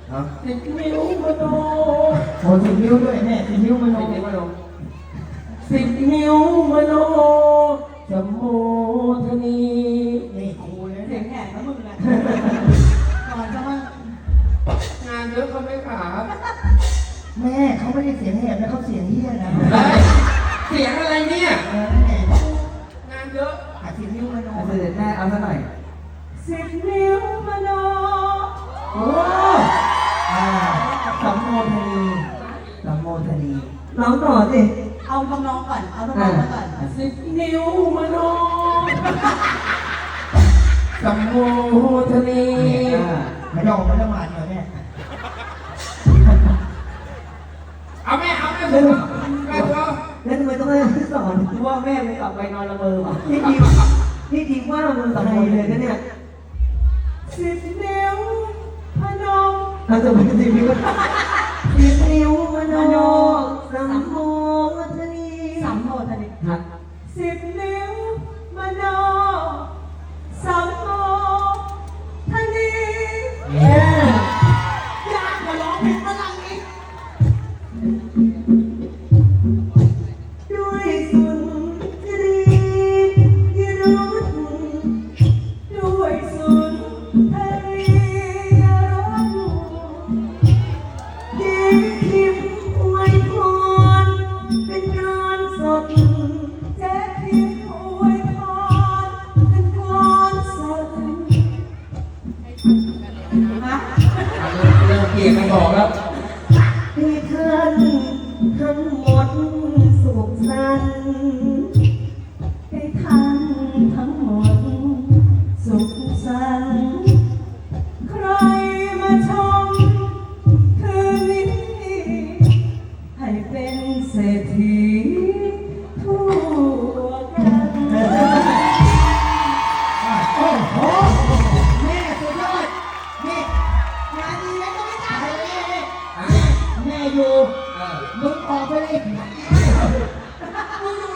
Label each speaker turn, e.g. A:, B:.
A: นิ้วมโน
B: โอ้10 นิ้วด้วยแม่10 นิ้วมโน
A: นิ้วมโนจะโมทนี
B: นี่ครูเลย
C: เสี
B: เนี่ย ย
C: งแหบนะมึงนะก่อนจะมาง
A: านเยอะเขาไม่ขา
B: แม่เขาไม่ได้เสียงแหบนะเขาเสียงเฮี้ยนะ
A: เสียงอะไรเนี่ย
B: แม่
A: งานเยอะ
B: 10 นิ้วมโน
D: เสด็จแม่เอาซะหน่อย
C: 10 นิ้วมโน
D: โอ้สัมโมทนีสัมโมทนีร้องต่อสิ
C: เอาทำนองก่อน เอาทำนองมาก่อน
A: นิ้วมโนสัมโมทนี
B: ไม่ต้องไม่ต้องมาหน่อยแม่
A: เอาแม่เอาแม่ผมแม่ตัว
D: แล้วทำไมต้องให้สอนว่าแม่ไม่กลับไปนอนละเมอวะนี่ดีว่ามึงสำคัญเลยนะเนี่ย
C: 10 นิ้วพนม
D: เราจะไป10 นิ้ว10 นิ้วมโนสัมโมทนี
C: สัมโมทนี
D: ครับ
C: 10 นิ้วมโนสัมโมทนีอยากมาร้องเพลงฝรั่งอีก
D: ด้วยสุนทรียรุธ
C: ด้วยสุนทรียรส
D: เย็นทิมอวยพรเป็นการสด
C: เจ๊พิมพ์อวยพรเป็นการสดฮะ
A: เริ่มเกลียดกันบอกแล้ว
D: ให้ท่านทั้งหมดสุขสันต์
C: ให้ท่านทั้งหมดสุขสันต์ใครมาชมคืนนี้ให้เป็นเศรษฐีทั่วกัน
B: โอ้โหแม่สุดยอดนี่งานดีแล้วก็ไม่ตายเลยแม่อยู่มึงออกไปเลย
C: มึงอยู่